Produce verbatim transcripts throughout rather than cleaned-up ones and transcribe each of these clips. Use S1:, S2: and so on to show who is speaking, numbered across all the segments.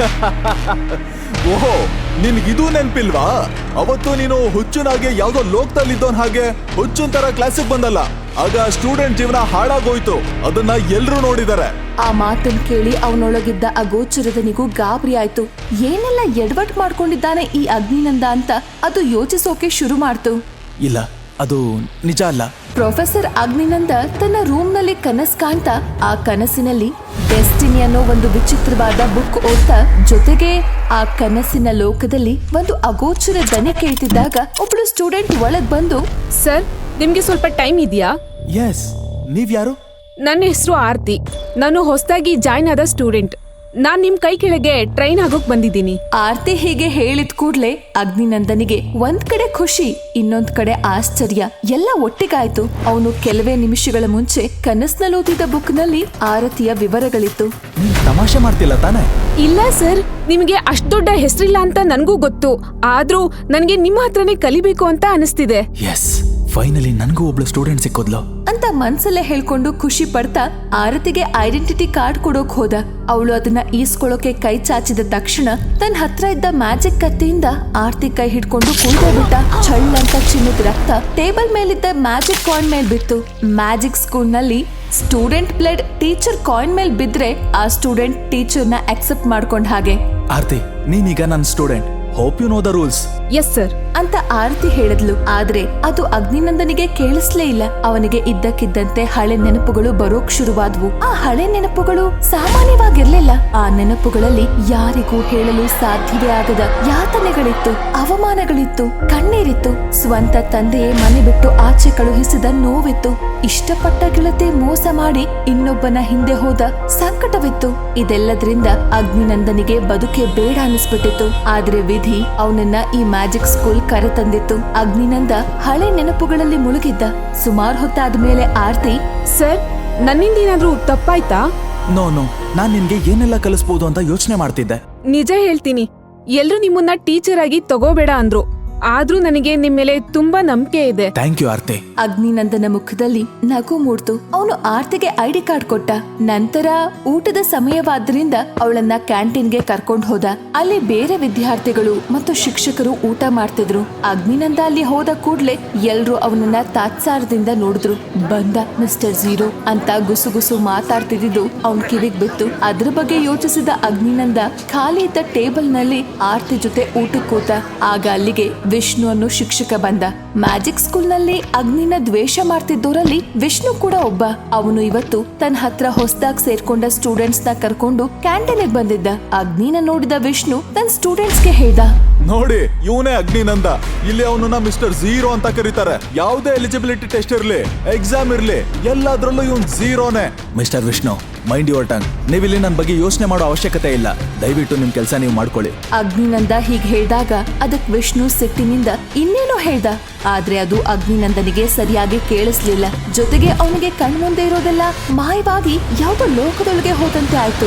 S1: ಓಹೋ, ನಿನ್ಗಿದು ನೆನ್ಪಿಲ್ವಾ? ಅವತ್ತು ನೀನು ಹುಚ್ಚುನಾಗೆ ಯಾವ್ದೋ ಲೋಕದಲ್ಲಿದ್ದೋನ್ ಹಾಗೆ ಹುಚ್ಚುನ್ ತರ ಕ್ಲಾಸಿಗೆ ಬಂದಲ್ಲ, ಆಗ ಸ್ಟೂಡೆಂಟ್ ಜೀವನ ಹಾಳಾಗೋಯ್ತು. ಅದನ್ನ ಎಲ್ರೂ ನೋಡಿದಾರೆ.
S2: ಆ ಮಾತನ್ ಕೇಳಿ ಅವನೊಳಗಿದ್ದ ಅಗೋಚರದನಿಗೂ ಗಾಬರಿ ಆಯ್ತು. ಏನೆಲ್ಲ ಎಡವಟ್ ಮಾಡ್ಕೊಂಡಿದ್ದಾನೆ ಈ ಅಗ್ನಿನಂದ ಅಂತ ಅದು ಯೋಚಿಸೋಕೆ ಶುರು ಮಾಡ್ತು.
S1: ಇಲ್ಲ, ಅದು ನಿಜ ಅಲ್ಲ.
S2: ಪ್ರೊಫೆಸರ್ ಅಗ್ನಿನಂದ ತನ್ನ ರೂಮ್ ನಲ್ಲಿ ಕನಸು ಕಾಣ್ತಾ ಆ ಕನಸಿನಲ್ಲಿ ಡೆಸ್ಟಿನಿ ಅನ್ನೋ ಒಂದು ವಿಚಿತ್ರವಾದ ಬುಕ್ ಓದ್ತಾ, ಜೊತೆಗೆ ಆ ಕನಸಿನ ಲೋಕದಲ್ಲಿ ಒಂದು ಅಗೋಚರ ದನಿ ಕೇಳ್ತಿದ್ದಾಗ ಒಬ್ಳು ಸ್ಟೂಡೆಂಟ್ ಒಳಗ್ ಬಂದು,
S3: ಸರ್, ನಿಮ್ಗೆ ಸ್ವಲ್ಪ ಟೈಮ್ ಇದೆಯಾ?
S1: ಎಸ್, ನೀವ್ ಯಾರು?
S3: ನನ್ನ ಹೆಸರು ಆರ್ತಿ. ನಾನು ಹೊಸದಾಗಿ ಜಾಯ್ನ್ ಆದ ಸ್ಟೂಡೆಂಟ್. ನಾನ್ ನಿಮ್ ಕೈ ಕೆಳಗೆ ಟ್ರೈನ್ ಆಗೋಕ್ ಬಂದಿದ್ದೀನಿ.
S2: ಆರ್ತಿ ಹೀಗೆ ಹೇಳಿದ ಕೂಡ್ಲೆ ಅಗ್ನಿನಂದನಿಗೆ ಒಂದ್ ಕಡೆ ಖುಷಿ, ಇನ್ನೊಂದ್ ಕಡೆ ಆಶ್ಚರ್ಯ ಎಲ್ಲ ಒಟ್ಟಿಗಾಯ್ತು. ಅವನು ಕೆಲವೇ ನಿಮಿಷಗಳ ಮುಂಚೆ ಕನಸ್ನಲ್ಲಿ ಓದಿದ ಬುಕ್ ನಲ್ಲಿ ಆರತಿಯ ವಿವರಗಳಿತ್ತು.
S1: ತಮಾಷೆ ಮಾಡ್ತಿಲ್ಲ ತಾನೆ?
S3: ಇಲ್ಲ ಸರ್, ನಿಮಗೆ ಅಷ್ಟ್ ದೊಡ್ಡ ಹೆಸರಿಲ್ಲ ಅಂತ ನನ್ಗೂ ಗೊತ್ತು. ಆದ್ರೂ ನನ್ಗೆ ನಿಮ್ಮ ಹತ್ರನೇ ಕಲಿಬೇಕು ಅಂತ ಅನಿಸ್ತಿದೆ.
S1: ಎಸ್, ಫೈನಲಿ ನನ್ಗೂ ಒಬ್ಳು ಸ್ಟೂಡೆಂಟ್ ಸಿಕ್ಕೋದ್ಲು
S2: ಅಂತ ಮನ್ಸಲ್ಲೇ ಹೇಳ್ಕೊಂಡು ಖುಷಿ ಪಡ್ತಾ ಆರತಿಗೆ ಐಡೆಂಟಿಟಿ ಕಾರ್ಡ್ ಕೊಡೋಕ್ ಹೋದ. ಅವಳು ಅದನ್ನ ಈಸ್ಕೊಳ್ಳೋಕೆ ಕೈ ಚಾಚಿದ ತಕ್ಷಣ ತನ್ನ ಹತ್ರ ಇದ್ದ ಮ್ಯಾಜಿಕ್ ಕತ್ತಿಯಿಂದ ಆರ್ತಿ ಕೈ ಹಿಡ್ಕೊಂಡು ಕುಯ್ದೇ ಬಿಟ್ಟ. ಛಳ್ ಅಂತ ಚಿನ್ನದ ರಕ್ತ ಟೇಬಲ್ ಮೇಲಿದ್ದ ಮ್ಯಾಜಿಕ್ ಕಾಯಿನ್ ಮೇಲ್ ಬಿತ್ತು. ಮ್ಯಾಜಿಕ್ ಸ್ಕೂಲ್ ನಲ್ಲಿ ಸ್ಟೂಡೆಂಟ್ ಬ್ಲಡ್ ಟೀಚರ್ ಕಾಯಿನ್ ಮೇಲ್ ಬಿದ್ರೆ ಆ ಸ್ಟೂಡೆಂಟ್ ಟೀಚರ್ ನ ಅಕ್ಸೆಪ್ಟ್ ಮಾಡ್ಕೊಂಡ್ ಹಾಗೆ.
S1: ಆರ್ತಿ, ನೀನೀಗ ನನ್ನ student. Hope you know the rules.
S3: Yes sir
S2: ಅಂತ ಆರತಿ ಹೇಳಿದ್ಲು. ಆದ್ರೆ ಅದು ಅಗ್ನಿನಂದನಿಗೆ ಕೇಳಿಸ್ಲೇ ಇಲ್ಲ. ಅವನಿಗೆ ಇದ್ದಕ್ಕಿದ್ದಂತೆ ಹಳೆ ನೆನಪುಗಳು ಬರೋಕ್ ಶುರುವಾದ್ವು. ಆ ಹಳೆ ನೆನಪುಗಳು ಸಾಮಾನ್ಯವಾಗಿರ್ಲಿಲ್ಲ. ಆ ನೆನಪುಗಳಲ್ಲಿ ಯಾರಿಗೂ ಹೇಳಲು ಸಾಧ್ಯವೇ ಆಗದ ಯಾತನೆಗಳಿತ್ತು, ಅವಮಾನಗಳಿತ್ತು, ಕಣ್ಣೀರಿತ್ತು. ಸ್ವಂತ ತಂದೆಯೇ ಮನೆ ಬಿಟ್ಟು ಆಚೆ ಕಳುಹಿಸಿದ ನೋವಿತ್ತು. ಇಷ್ಟಪಟ್ಟ ಗೆಳತಿ ಮೋಸ ಮಾಡಿ ಇನ್ನೊಬ್ಬನ ಹಿಂದೆ ಹೋದ ಸಂಕಟವಿತ್ತು. ಇದೆಲ್ಲದ್ರಿಂದ ಅಗ್ನಿನಂದನಿಗೆ ಬದುಕೆ ಬೇಡ ಅನಿಸ್ಬಿಟ್ಟಿತ್ತು. ಆದ್ರೆ ವಿಧಿ ಅವನನ್ನ ಈ ಮ್ಯಾಜಿಕ್ ಸ್ಕೂಲ್ ಕರೆತಂದಿತ್ತು. ಅಗ್ನಿನಂದ ಹಳೆ ನೆನಪುಗಳಲ್ಲಿ ಮುಳುಗಿದ್ದ. ಸುಮಾರು ಹೊತ್ತಾದ್ಮೇಲೆ ಆರ್ತಿ,
S3: ಸರ್, ನನ್ನಿಂದ ಏನಾದ್ರೂ ತಪ್ಪಾಯ್ತಾ?
S1: ನೋ ನೋ ನಾನ್ ನಿನ್ಗೆ ಏನೆಲ್ಲ ಕಲಿಸ್ಬೋದು ಅಂತ ಯೋಚನೆ ಮಾಡ್ತಿದ್ದೆ.
S3: ನಿಜ ಹೇಳ್ತೀನಿ, ಎಲ್ರು ನಿಮ್ಮನ್ನ ಟೀಚರ್ ಆಗಿ ತಗೋಬೇಡ ಅಂದ್ರು. ಆದ್ರೂ ನನಗೆ ನಿಮ್ ಮೇಲೆ ತುಂಬಾ ನಂಬಿಕೆ ಇದೆ.
S1: ಥ್ಯಾಂಕ್ ಯು ಆರ್ತಿ.
S2: ಅಗ್ನಿನಂದನ ಮುಖದಲ್ಲಿ ನಗು ಮೂಡ್ತು. ಅವನು ಆರ್ತಿಗೆ ಐಡಿ ಕಾರ್ಡ್ ಕೊಟ್ಟ. ನಂತರ ಊಟದ ಸಮಯವಾದ್ರಿಂದ ಅವಳನ್ನ ಕ್ಯಾಂಟೀನ್ಗೆ ಕರ್ಕೊಂಡ್ ಹೋದ. ಅಲ್ಲಿ ಬೇರೆ ವಿದ್ಯಾರ್ಥಿಗಳು ಮತ್ತು ಶಿಕ್ಷಕರು ಊಟ ಮಾಡ್ತಿದ್ರು. ಅಗ್ನಿನಂದ ಅಲ್ಲಿ ಹೋದ ಕೂಡ್ಲೆ ಎಲ್ರು ಅವನನ್ನ ತಾತ್ಸಾರದಿಂದ ನೋಡಿದ್ರು. ಬಂದ ಮಿಸ್ಟರ್ ಝೀರೋ ಅಂತ ಗುಸುಗುಸು ಮಾತಾಡ್ತಿದ್ದು ಅವನ್ ಕಿವಿಗ್ ಬಿತ್ತು. ಅದ್ರ ಬಗ್ಗೆ ಯೋಚಿಸಿದ ಅಗ್ನಿನಂದ ಖಾಲಿ ಇದ್ದ ಟೇಬಲ್ ನಲ್ಲಿ ಆರ್ತಿ ಜೊತೆ ಊಟಕ್ಕೆ ಕೂತ. ಆಗ ಅಲ್ಲಿಗೆ ವಿಷ್ಣು ಅನ್ನೋ ಶಿಕ್ಷಕ ಬಂದ. ಮ್ಯಾಜಿಕ್ ಸ್ಕೂಲ್ ನಲ್ಲಿ ಅಗ್ನಿನ ದ್ವೇಷ ಮಾಡ್ತಿದ್ದೋರಲ್ಲಿ ವಿಷ್ಣು ಕೂಡ ಒಬ್ಬ. ಅವನು ಇವತ್ತು ತನ್ನ ಹತ್ರ ಹೊಸದಾಗಿ ಸೇರ್ಕೊಂಡ ಸ್ಟೂಡೆಂಟ್ಸ್ ನ ಕರ್ಕೊಂಡು ಕ್ಯಾಂಟೀನ್ ಬಂದಿದ್ದ. ಅಗ್ನಿನ ನೋಡಿದ ವಿಷ್ಣು ತನ್ನ ಸ್ಟೂಡೆಂಟ್ಸ್ ಗೆ ಹೇಳ್ದ,
S1: ನೋಡಿ, ಇವನೇ ಅಗ್ನಿನಂದ. ಇಲ್ಲಿ ಅವನನ್ನ ಮಿಸ್ಟರ್ ಝೀರೋ ಅಂತ ಕರೀತಾರೆ. ಯಾವುದೇ ಎಲಿಜಿಬಿಲಿಟಿ ಟೆಸ್ಟ್ ಇರ್ಲಿ, ಎಕ್ಸಾಮ್ ಇರ್ಲಿ, ಎಲ್ಲಾದ್ರಲ್ಲೂ ಇವನ್ ಝೀರೋನೇ. Mr Vishnu, mind your tongue. ನೀವಿಲ್ಲಿ ನನ್ನ ಬಗ್ಗೆ ಯೋಚನೆ ಮಾಡೋ ಅವಶ್ಯಕತೆ ಇಲ್ಲ. ದಯವಿಟ್ಟು ನಿಮ್ ಕೆಲಸ ನೀವು ಮಾಡ್ಕೊಳ್ಳಿ.
S2: ಅಗ್ನಿನಂದ ಹೀಗ್ ಹೇಳ್ದಾಗ ಅದಕ್ ವಿಷ್ಣು ಸಿಟ್ಟಿನಿಂದ ಇನ್ನೇನೋ ಹೇಳ್ದ. ಆದ್ರೆ ಅದು ಅಗ್ನಿನಂದನಿಗೆ ಸರಿಯಾಗಿ ಕೇಳಿಸ್ಲಿಲ್ಲ. ಜೊತೆಗೆ ಅವನಿಗೆ ಕಣ್ಮುಂದೆ ಇರೋದೆಲ್ಲ ಮಾಯವಾಗಿ ಯಾವುದೋ ಲೋಕದೊಳಗೆ ಹೋದಂತೆ ಆಯ್ತು.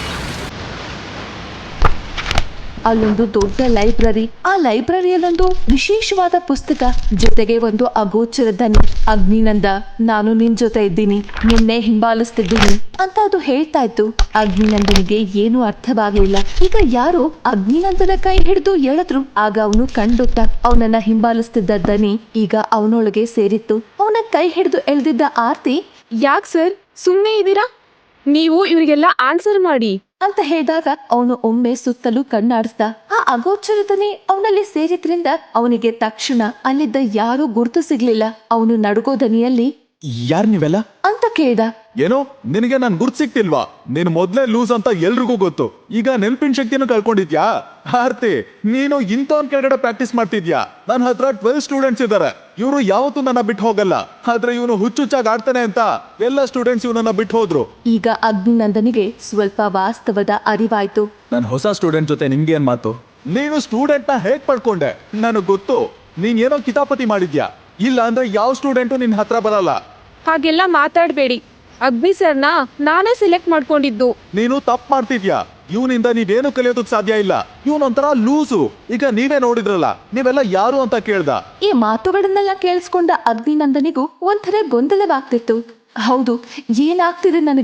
S2: ಅಲ್ಲೊಂದು ದೊಡ್ಡ ಲೈಬ್ರರಿ. ಆ ಲೈಬ್ರರಿಯಲ್ಲೊಂದು ವಿಶೇಷವಾದ ಪುಸ್ತಕ, ಜೊತೆಗೆ ಒಂದು ಅಗೋಚರ ದನಿ. ಅಗ್ನಿನಂದ, ನಾನು ನಿನ್ ಜೊತೆ ಇದ್ದೀನಿ, ನಿನ್ನೆ ಹಿಂಬಾಲಿಸ್ತಿದ್ದೀನಿ ಅಂತ ಅದು ಹೇಳ್ತಾ ಇತ್ತು. ಅಗ್ನಿನಂದನಿಗೆ ಏನು ಅರ್ಥವಾಗಲಿಲ್ಲ. ಈಗ ಯಾರೋ ಅಗ್ನಿನಂದನ ಕೈ ಹಿಡಿದು ಎಳೆದ್ರು. ಆಗ ಅವನು ಕಂಡುಟ್ಟ ಅವನನ್ನ ಹಿಂಬಾಲಿಸ್ತಿದ್ದ ದನಿ ಈಗ ಅವನೊಳಗೆ ಸೇರಿತ್ತು. ಅವನ ಕೈ ಹಿಡಿದು ಎಳೆದಿದ್ದ ಆರ್ತಿ,
S3: ಯಾಕ್ ಸರ್ ಸುಮ್ನೆ ಇದ್ದೀರಾ? ನೀವು ಇವರಿಗೆಲ್ಲ ಆನ್ಸರ್ ಮಾಡಿ
S2: ಅಂತ ಹೇಳಿದಾಗ ಅವನು ಒಮ್ಮೆ ಸುತ್ತಲೂ ಕಣ್ಣಾಡಿಸ್ದ. ಆ ಅಗೋಚರದನೆ ಅವನಲ್ಲಿ ಸೇರಿದ್ರಿಂದ ಅವನಿಗೆ ತಕ್ಷಣ ಅಲ್ಲಿದ್ದ ಯಾರೂ ಗುರುತು ಸಿಗ್ಲಿಲ್ಲ. ಅವನು ನಡುಗೋ ದನಿಯಲ್ಲಿ,
S1: ಯಾರ್ ನೀವೆಲ್ಲ
S2: ಅಂತ ಕೇಳ್ದ.
S1: ಏನೋ ನಿನಗೆ ನನ್ ಗುರ್ತ್ ಸಿಕ್ತಿಲ್ವಾ? ನೀನು ಮೊದ್ಲೇ ಲೂಸ್ ಅಂತ ಎಲ್ರಿಗೂ ಗೊತ್ತು. ಈಗ ನೆನ್ಪಿನ ಶಕ್ತಿನೂ ಕಳ್ಕೊಂಡಿದ್ಯಾ? ಆರ್ತಿ, ನೀನು ಇಂಥವನ್ ಕೆಳಗಡೆ ಪ್ರಾಕ್ಟೀಸ್ ಮಾಡ್ತಿದ್ಯಾ? ನನ್ನ ಹತ್ರ ಟ್ವೆಲ್ವ್ ಸ್ಟೂಡೆಂಟ್ಸ್ ಇದ್ದಾರೆ. ಇವರು ಯಾವತ್ತೂ ನನ್ನ ಬಿಟ್ಟು ಹೋಗಲ್ಲ. ಆದ್ರೆ ಇವನು ಹುಚ್ಚುಚ್ಚಾಗಿ ಆಡ್ತಾನೆ ಅಂತ ಎಲ್ಲ ಸ್ಟೂಡೆಂಟ್ಸ್ ಇವನನ್ನ ಬಿಟ್ಟು ಹೋದ್ರು.
S2: ಈಗ ಅಗ್ನಿನಂದನಿಗೆ ಸ್ವಲ್ಪ ವಾಸ್ತವದ ಅರಿವಾಯ್ತು.
S1: ನನ್ ಹೊಸ ಸ್ಟೂಡೆಂಟ್ ಜೊತೆ ನಿಮ್ಗೆ ಏನ್ ಮಾತು? ನೀನು ಸ್ಟೂಡೆಂಟ್ ನ ಹೇಗ್ ಪಡ್ಕೊಂಡೆ? ನನಗ್ ಗೊತ್ತು, ನೀನ್ ಏನೋ ಕಿತಾಪತಿ ಮಾಡಿದ್ಯಾ. ಇಲ್ಲ ಅಂದ್ರೆ ಯಾವ ಸ್ಟೂಡೆಂಟು ನಿನ್ ಹತ್ರ ಬರಲ್ಲ.
S3: ಹಾಗೆಲ್ಲ ಮಾತಾಡ್ಬೇಡಿ. ಅಗ್ನಿ ಸರ್ನ ನಾನೇ ಸೆಲೆಕ್ಟ್ ಮಾಡ್ಕೊಂಡಿದ್ದು.
S1: ನೀನು ತಪ್ಪು ಮಾಡ್ತಿದ್ಯಾ. ಇವನಿಂದ ನೀವೇನು ಕಲಿಯೋದಕ್ ಸಾಧ್ಯ ಇಲ್ಲ. ಇವನೊಂಥರ ಲೂಸು. ಈಗ ನೀವೇ ನೋಡಿದ್ರಲ್ಲ, ನೀವೆಲ್ಲ ಯಾರು ಅಂತ ಕೇಳ್ದ.
S2: ಈ ಮಾತುಗಳನ್ನೆಲ್ಲ ಕೇಳಿಸ್ಕೊಂಡ ಅಗ್ನಿನಂದನಿಗೂ ಒಂಥರ ಗೊಂದಲವಾಗ್ತಿತ್ತು. ಹೌದು, ಏನಾಗ್ತಿದೆ ನನಗೆ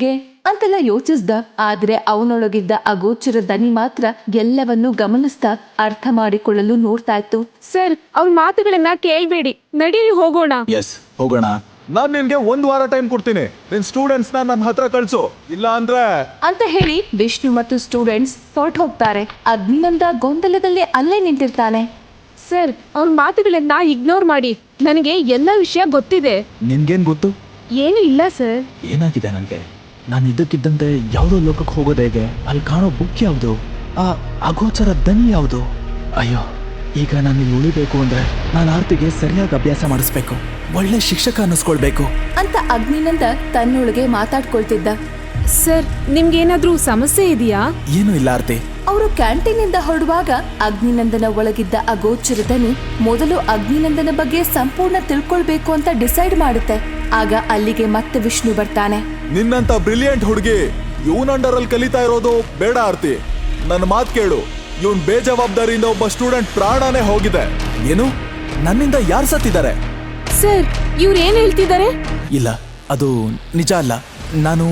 S2: ಅಂತೆಲ್ಲ ಯೋಚಿಸ್ದ. ಆದ್ರೆ ಅವನೊಳಗಿದ್ದ ಅಗೋಚರ ದನಿ ಮಾತ್ರ ಎಲ್ಲವನ್ನೂ ಗಮನಿಸ್ತಾ ಅರ್ಥ ಮಾಡಿಕೊಳ್ಳಲು ನೋಡ್ತಾ ಇತ್ತು.
S3: ಸರ್ ಅವ್ರ ಮಾತುಗಳನ್ನ ಕೇಳ್ಬೇಡಿ, ನಡೀರಿ ಹೋಗೋಣ.
S1: ಎಸ್ ಹೋಗೋಣ. ನಾನ್ ನಿನ್ಗೆ ಒಂದ್ ವಾರ ಟೈಮ್ ಕೊಡ್ತೀನಿ. ನಿನ್ ಸ್ಟೂಡೆಂಟ್ಸ್ ನ ನನ್ನ ಹತ್ರ ಕಳ್ಸು, ಇಲ್ಲ ಅಂದ್ರೆ
S2: ಅಂತ ಹೇಳಿ ವಿಷ್ಣು ಮತ್ತು ಸ್ಟೂಡೆಂಟ್ಸ್ ಹೊರಟು ಹೋಗ್ತಾರೆ. ಅಗ್ನಿನಂದ ಗೊಂದಲದಲ್ಲಿ ಅಲ್ಲೇ ನಿಂತಿರ್ತಾನೆ.
S3: ಸರ್ ಅವ್ರ ಮಾತುಗಳನ್ನ ಇಗ್ನೋರ್ ಮಾಡಿ, ನನಗೆ ಎಲ್ಲ ವಿಷಯ ಗೊತ್ತಿದೆ.
S1: ನಿನ್ಗೇನ್ ಗೊತ್ತು?
S3: ಏನು ಇಲ್ಲ ಸರ್.
S1: ಏನಾಗಿದೆ ನನಗೆ? ನಾನು ಇದ್ದಕ್ಕಿದ್ದಂತೆ ಯಾವುದೋ ಲೋಕಕ್ಕೆ ಹೋಗೋದು ಹೇಗೆ? ಅಲ್ಲಿ ಕಾಣೋ ಬುಕ್ ಯಾವುದು? ಆ ಅಗೋಚರ ದನಿ ಯಾವುದು? ಅಯ್ಯೋ, ಈಗ ನಾನು ಇಲ್ಲಿ ಉಳಿಬೇಕು ಅಂದ್ರೆ ನಾನು ಆರ್ತಿಗೆ ಸರಿಯಾಗಿ ಅಭ್ಯಾಸ ಮಾಡಿಸ್ಬೇಕು, ಒಳ್ಳೆ ಶಿಕ್ಷಕ ಅನ್ನಿಸ್ಕೊಳ್ಬೇಕು
S2: ಅಂತ ಅಗ್ನಿನಂದ ತನ್ನೊಳಗೆ ಮಾತಾಡ್ಕೊಳ್ತಿದ್ದ.
S3: ಸರ್ ನಿಮ್ಗೇನಾದ್ರೂ ಸಮಸ್ಯೆ ಇದೆಯಾ?
S1: ಏನೂ ಇಲ್ಲ ಆರ್ತಿ.
S2: ಅವರು ಕ್ಯಾಂಟೀನಿಂದ ಹೊರಡುವಾಗ ಅಗ್ನಿನಂದನ ಒಳಗಿದ್ದ ಅಗೋಚರ ದನಿ ಮೊದಲು ಅಗ್ನಿನಂದನ ಬಗ್ಗೆ ಸಂಪೂರ್ಣ ತಿಳ್ಕೊಳ್ಬೇಕು ಅಂತ ಡಿಸೈಡ್ ಮಾಡುತ್ತೆ. ಆಗ ಅಲ್ಲಿಗೆ ಮತ್ತೆ ವಿಷ್ಣು ಬರ್ತಾನೆ.
S1: ನಿನ್ನಂತ ಬ್ರಿಲಿಯಂಟ್ ಹುಡುಗಿ ಇವನ್ ಅಂಡರ್ ಅಲ್ಲಿ ಕಲಿತಾ ಇರೋದು ಬೇಡ ಆರ್ತಿ. ನನ್ನ ಮಾತು ಕೇಳು, ಇವನ್ ಬೇಜವಾಬ್ದಾರಿಯಿಂದ ಒಬ್ಬ ಸ್ಟೂಡೆಂಟ್ ಪ್ರಾಣನೇ ಹೋಗಿದೆ. ಏನು? ನನ್ನಿಂದ ಯಾರು ಸತ್ತಿದ್ದಾರೆ?
S3: ಸರ್ ಇವ್ರು ಏನ್ ಹೇಳ್ತಿದ್ದಾರೆ?
S1: ಇಲ್ಲ, ಅದು ನಿಜ ಅಲ್ಲ. ನಾನು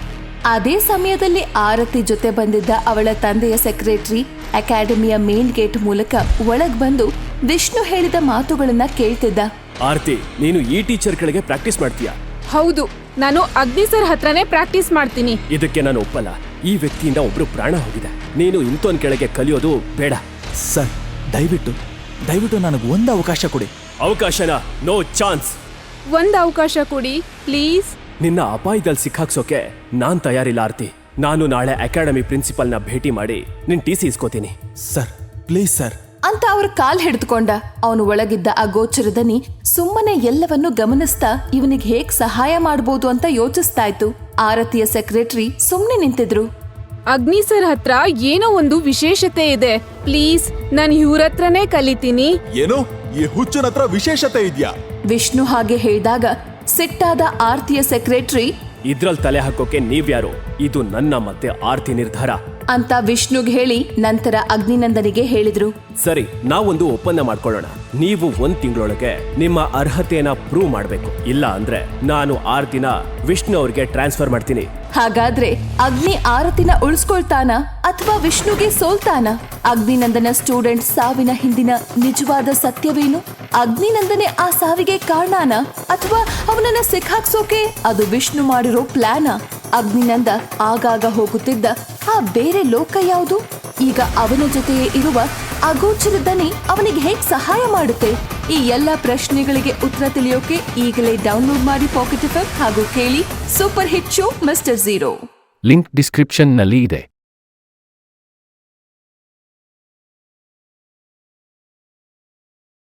S2: ಅದೇ ಸಮಯದಲ್ಲಿ ಆರತಿ ಜೊತೆ ಬಂದಿದ್ದ ಅವಳ ತಂದೆಯ ಸೆಕ್ರೆಟರಿ ಅಕಾಡೆಮಿಯ ಮೇನ್ ಗೇಟ್ ಮೂಲಕ ಒಳಗ್ ಬಂದು ವಿಷ್ಣು ಹೇಳಿದ ಮಾತುಗಳನ್ನ ಕೇಳ್ತಿದ್ದ.
S4: ಆರ್ತಿ, ನೀನು ಈ ಟೀಚರ್ ಕೆಳಗೆ ಪ್ರಾಕ್ಟೀಸ್ ಮಾಡ್ತೀಯಾ?
S3: ಹೌದು, ನಾನು ಅಗ್ನಿ ಸರ್ ಹತ್ರನೇ ಪ್ರಾಕ್ಟೀಸ್ ಮಾಡ್ತೀನಿ.
S4: ಇದಕ್ಕೆ ನಾನು ಒಪ್ಪಲ್ಲ. ಈ ವ್ಯಕ್ತಿಯಿಂದ ಒಬ್ರು ಪ್ರಾಣ ಹೋಗಿದೆ. ನೀನು ಇಂಥೊಂದ್ ಕೆಳಗೆ ಕಲಿಯೋದು ಬೇಡ.
S1: ಸರ್, ದಯವಿಟ್ಟು ದಯವಿಟ್ಟು ನನಗೆ ಒಂದು ಅವಕಾಶ ಕೊಡಿ.
S4: ಅವಕಾಶನ? No chance.
S3: ಒಂದ್ ಅವಕಾಶ ಕೊಡಿ ಪ್ಲೀಸ್.
S4: ನಿನ್ನ ಅಪಾಯದಲ್ಲಿ ಸಿಕ್ಕಾಕ್ಸೋಕೆ ನಾನ್ ತಯಾರಿಲ್ಲ ಆರ್ತಿ. ನಾನು ನಾಳೆ ಅಕಾಡೆಮಿ ಪ್ರಿನ್ಸಿಪಲ್ನ ಭೇಟಿ ಮಾಡಿ ನಿನ್ ಟಿ ಸಿ ಇಸ್ಕೋತೀನಿ.
S1: ಸರ್ ಪ್ಲೀಸ್ ಸರ್
S2: ಅಂತ ಅವ್ರ ಕಾಲ್ ಹಿಡಿದುಕೊಂಡ. ಅವನು ಒಳಗಿದ್ದ ಅಗೋಚರ ದನಿ ಸುಮ್ಮನೆ ಎಲ್ಲವನ್ನೂ ಗಮನಿಸ್ತಾ ಇವನಿಗೆ ಹೇಗ್ ಸಹಾಯ ಮಾಡ್ಬೋದು ಅಂತ ಯೋಚಿಸ್ತಾ ಇತ್ತು. ಆರತಿಯ ಸೆಕ್ರೆಟರಿ ಸುಮ್ನೆ ನಿಂತಿದ್ರು.
S3: ಅಗ್ನಿ ಸರ್ ಹತ್ರ ಏನೋ ಒಂದು ವಿಶೇಷತೆ ಇದೆ, ಪ್ಲೀಸ್ ನಾನು ಇವ್ರ ಹತ್ರನೇ ಕಲಿತೀನಿ.
S1: ಏನು? ಈ ಹುಚ್ಚನ ಹತ್ರ ವಿಶೇಷತೆ ಇದೆಯಾ?
S2: ವಿಷ್ಣು ಹಾಗೆ ಹೇಳಿದಾಗ ಸಿಟ್ಟಾದ ಆರ್ತಿಯ ಸೆಕ್ರೆಟರಿ
S4: ಇದ್ರಲ್ಲಿ ತಲೆ ಹಾಕೋಕೆ ನೀವ್ಯಾರು? ಇದು ನನ್ನ ಮತ್ತೆ ಆರ್ತಿ ನಿರ್ಧಾರ
S2: ಅಂತ ವಿಷ್ಣುಗ್ ಹೇಳಿ ನಂತರ ಅಗ್ನಿನಂದನಿಗೆ ಹೇಳಿದ್ರು.
S4: ಸರಿ, ನಾವೊಂದು ಒಪ್ಪಂದ ಮಾಡ್ಕೊಳ್ಳೋಣ. ನೀವು ಒಂದ್ ತಿಂಗಳೊಳಗೆ ನಿಮ್ಮ ಅರ್ಹತೆಯನ್ನ ಪ್ರೂವ್ ಮಾಡ್ಬೇಕು. ಇಲ್ಲ ಅಂದ್ರೆ ನಾನು ಆರ್ತಿನ ವಿಷ್ಣು ಅವ್ರಿಗೆ ಟ್ರಾನ್ಸ್ಫರ್ ಮಾಡ್ತೀನಿ.
S2: ಹಾಗಾದ್ರೆ ಅಗ್ನಿ ಆರತಿನ ಉಳಿಸ್ಕೊಳ್ತಾನ ಅಥವಾ ವಿಷ್ಣುಗೆ ಸೋಲ್ತಾನ? ಅಗ್ನಿನಂದನ ಸ್ಟೂಡೆಂಟ್ ಸಾವಿನ ಹಿಂದಿನ ನಿಜವಾದ ಸತ್ಯವೇನು? ಅಗ್ನಿನಂದನೆ ಆ ಸಾವಿಗೆ ಕಾರಣನ ಅಥವಾ ಅವನನ್ನ ಸಿಕ್ಕಾಕ್ಸೋಕೆ ಅದು ವಿಷ್ಣು ಮಾಡಿರೋ ಪ್ಲಾನ? ಅಗ್ನಿನಂದ ಆಗಾಗ ಹೋಗುತ್ತಿದ್ದ ಆ ಬೇರೆ ಲೋಕ ಯಾವುದು? ಈಗ ಅವನ ಜೊತೆಯೇ ಇರುವ ಅಗೋಚರ ದನಿ ಅವನಿಗೆ ಹೇಗ್ ಸಹಾಯ ಮಾಡುತ್ತೆ? ಈ ಎಲ್ಲ ಪ್ರಶ್ನೆಗಳಿಗೆ ಉತ್ತರ ತಿಳಿಯೋಕೆ ಈಗಲೇ ಡೌನ್ಲೋಡ್ ಮಾಡಿ ಪಾಕೆಟ್ ಎಫ್ ಎಂ ಹಾಗೂ ಕೇಳಿ super hit show mister zero.
S5: Link ಡಿಸ್ಕ್ರಿಪ್ಷನ್ನಲ್ಲಿ ಇದೆ.